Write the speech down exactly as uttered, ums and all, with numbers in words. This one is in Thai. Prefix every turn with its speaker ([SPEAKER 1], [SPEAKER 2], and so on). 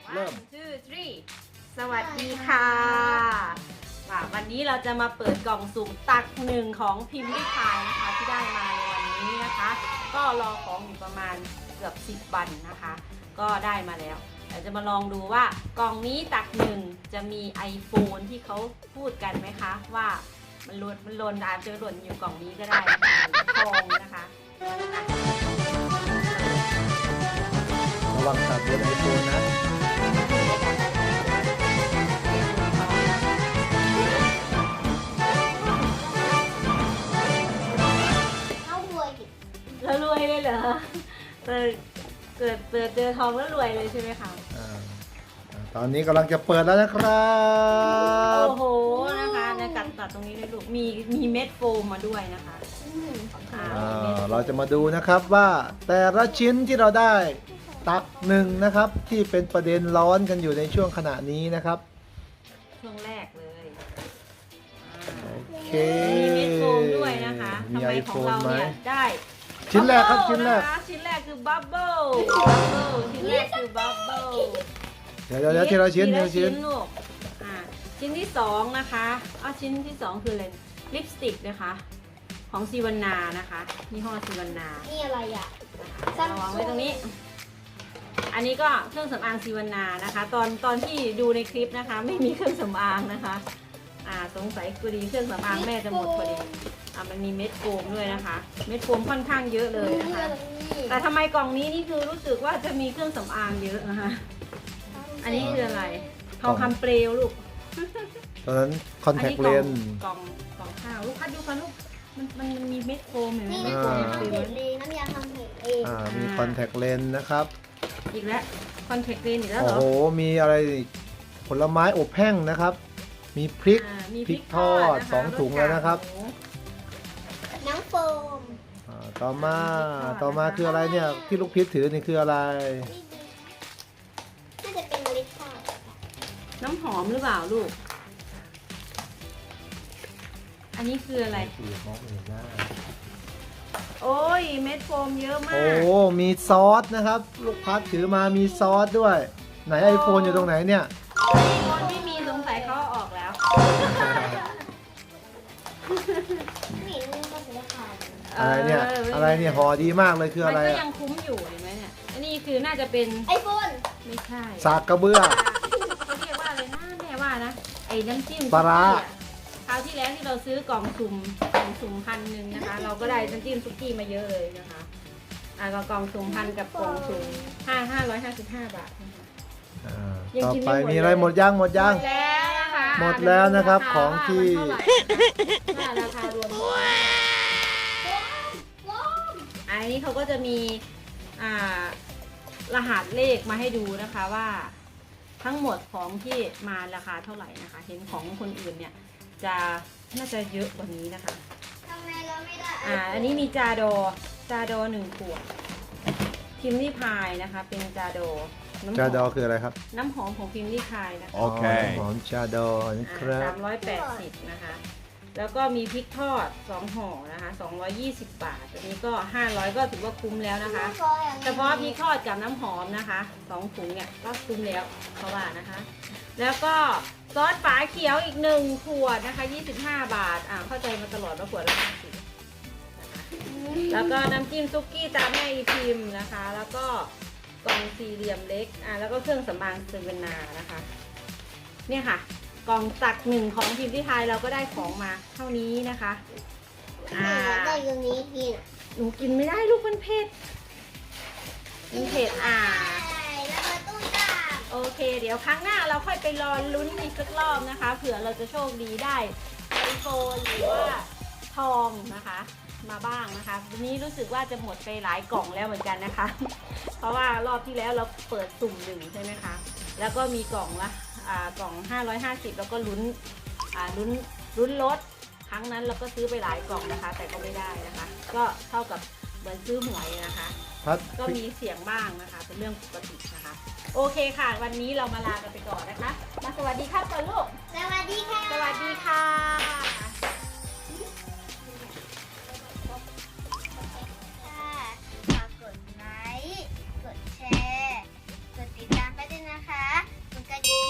[SPEAKER 1] เริ่ม
[SPEAKER 2] one two three สวัสดีค่ะวันนี้เราจะมาเปิดกล่องสุ่มตักหนึ่งของพิมพ์ริพายนะคะที่ได้มาในวันนี้นะคะ ก็รอของอยู่ประมาณเกือบสิบวันนะคะ ก็ได้มาแล้วเราจะมาลองดูว่ากล่องนี้ตักหนึ่งจะมี iPhone ที่เขาพูดกันไหมคะว่ามันหล่นมันหล่นอาจจะหล่นอยู่กล่องนี้ก็ได้นะคะทองนะคะ
[SPEAKER 1] ระวังตัดบนไอโฟนนะ
[SPEAKER 2] แล้วรวยเลยเหรอเกิดเกิดเปิดเจอทองแล้วรวยเลยใช่ไหมคะ
[SPEAKER 1] ตอนนี้กำลังจะเปิดแล้วนะครับ
[SPEAKER 2] โอ้โหนะคะในกัดตัดตรงนี้ด้วยลูกมีมีเม็ดโฟมมาด้วยนะคะ
[SPEAKER 1] เราจะมาดูนะครับว่าแต่ละชิ้นที่เราได้ตักหนึ่งนะครับที่เป็นประเด็นร้อนกันอยู่ในช่วงขณะนี้นะครับ
[SPEAKER 2] ช่วงแรกเลย
[SPEAKER 1] โอเค
[SPEAKER 2] มีเม็ดโฟมด้วยนะคะทำไมของเราเนี่ยได้
[SPEAKER 1] ชิ้นแรกครับชิ้นแรก
[SPEAKER 2] ชิ้นแรกคือบับเบิ้ลบับเบิ้ลชิ้นแรกคือบับเบิ้ล
[SPEAKER 1] เดี๋ยวเดี๋ยวทีละชิ้นทีละชิ้น
[SPEAKER 2] ลูกอ่าชิ้นที่สองนะคะอ้าวชิ้นที่สองคืออะไรลิปสติกนะคะของซีวันนานะคะยี่ห้อซีวันนา
[SPEAKER 3] นี่อะไรอ่ะ
[SPEAKER 2] วางไว้ตรงนี้อันนี้ก็เครื่องสำอางซีวันนานะคะตอนตอนที่ดูในคลิปนะคะไม่มีเครื่องสำอางนะคะอ่าสงสัยพอดีเครื่องสำอางแม่จะหมดพอดีอ่ามันมีเม็ดโฟมด้วยนะคะเม็ดโฟมค่อนข้างเยอะเลยนะคะแต่ทำไมกล่องนี้นี่คือรู้สึกว่าจะมีเครื่องสำอางเยอะนะคะอันนี้คืออะไรทองคำเปลวลูก
[SPEAKER 1] ตอนนั้นคอนแทคเลนส์
[SPEAKER 2] กล่องกล่องข้าวลูกคัดดูค่ะลูกมันมันมีเม็ดโฟมเห็นไหม
[SPEAKER 3] เม็ดโฟมทำเห็ดเองน้ำยาทำเห็ดเอง
[SPEAKER 1] อ่ามีคอนแทคเลนส์นะครับ
[SPEAKER 2] อีกแล้วคอนแทคเลนส์อีกแล้วเหรอ
[SPEAKER 1] โอ้โหมีอะไรผลไม้อบแห้งนะครับมีพริกพริกทอดสองถุงแล้วนะครับ
[SPEAKER 3] น้ำโฟม
[SPEAKER 1] ต่อมาต่อมาคืออะไรเนี่ยที่ลูกพิษถือนี่คืออะไร
[SPEAKER 3] น่าจะเป็นลิปทอด
[SPEAKER 2] น้ำหอมหรือเปล่าลูกอันนี้คืออะไรโอ้ยเม็ดโฟมเยอะมาก
[SPEAKER 1] โอ้มีซอสนะครับลูกพัดถือมามีซอสด้วยไหนไอโฟนอยู่ตรงไหนเนี่ย
[SPEAKER 2] ไอโฟนไม่มีสงสัยเขาออกแล้ว
[SPEAKER 1] อะไรเนี่ยอะไรเนี่ยห่อดีมากเลยคืออะไร
[SPEAKER 2] มันก็ยังคุ้มอยู่เห็นไหมเนี่ยอันนี้คือน่าจะเป็น
[SPEAKER 3] ไอโฟน
[SPEAKER 2] ไม่ใช่
[SPEAKER 1] สากกระเบื้อ
[SPEAKER 2] เขาเรียกว่าอะไรนะแม่ว่านะไอ้น้ำจิ้ม
[SPEAKER 1] ปลาร้า
[SPEAKER 2] คราวที่แล้วที่เราซื้อกล่องสุ่มกล่องสุ่มพันหนึ่งนะคะเราก็ได้น้ำจิ้มซุกี้มาเยอะเลยนะคะอ่ากล่องสุ่มพันกับกล่องสุ่มห้าห้าร้อยห้าสิบห้าบาท
[SPEAKER 1] ต่อไปมีอะไรหมดย่างหมดย่าง
[SPEAKER 2] แล้วนะคะ
[SPEAKER 1] หมดแล้วนะครับของที่
[SPEAKER 2] ราคารวมอันนี้เขาก็จะมีอ่ารหัสเลขมาให้ดูนะคะว่าทั้งหมดของที่มาราคาเท่าไหร่นะคะเห็นของคนอื่นเนี่ยจะน่าจะเยอะกว่านี้นะคะ
[SPEAKER 3] ทำไมเราไม่ได้
[SPEAKER 2] อ่าอันนี้มีจาโดจาโดหนึ่งขวดพิมพ์ริพายนะคะเป็นจาโด
[SPEAKER 1] จาโดคืออะไรครับ
[SPEAKER 2] น้ำหอมของพิมพ์ริพายนะคะ
[SPEAKER 1] โอเคหอมจาโดนะครับ
[SPEAKER 2] สามร้อยแปดสิบนะคะแล้วก็มีพริกทอดสองห่อนะคะสองร้อยยี่สิบบาทอันนี้ก็ห้าร้อยก็ถือว่าคุ้มแล้วนะคะเฉพาะพริกทอดกับน้ำหอมนะคะสองถุงเนี่ยก็คุ้มแล้วเขาว่านะคะแล้วก็ซอสฝาเขียวอีกหนึ่งขวดนะคะยี่สิบห้าบาทอ่าเข้าใจมาตลอดว่าขวดละห้าสิบแล้วก็น้ำจิ้มซุกี้ตาแม่อีพิมพ์นะคะแล้วก็กล่องสี่เหลี่ยมเล็กอ่าแล้วก็เครื่องสำอางเซเว่นนานะคะเนี่ยค่ะกล่องตักหนึ่งของพิมพ์ริพายเราก็ได้ของมาเท่านี้นะคะ
[SPEAKER 3] อ่าได้ตรงนี้กิน
[SPEAKER 2] หนูกินไม่ได้ลูกมันเผ็ดมันเผ็ดอ่าโอเคเดี๋ยวครั้งหน้าเราค่อยไปรอลุ้นอีกสักรอบนะคะเผื่อเราจะโชคดีได้ไอโฟนหรือว่าทองนะคะมาบ้างนะคะวันนี้รู้สึกว่าจะหมดไปหลายกล่องแล้วเหมือนกันนะคะเพราะว่ารอบที่แล้วเราเปิดสุ่มหนึ่งใช่ไหมคะแล้วก็มีกล่องละอ่ากล่องห้าร้อยห้าสิบแล้วก็ลุ้นอ่าลุ้นลุ้นลดครั้งนั้นเราก็ซื้อไปหลายกล่องนะคะแต่ก็ไม่ได้นะคะก็เท่ากับเหมือนซื้อหวยนะคะก็มีเสียงบ้างนะคะเป็นเรื่องปกตินะคะโอเคค่ะวันนี้เรามาลากันไปก่อนนะคะมาสวัสดีครับก่อนลูก
[SPEAKER 3] สวัสดีค่ะ
[SPEAKER 2] สวัสดีค่ะ
[SPEAKER 3] ฝากกดไลค์กดแชร์กดติดตามไปด้วยนะคะบ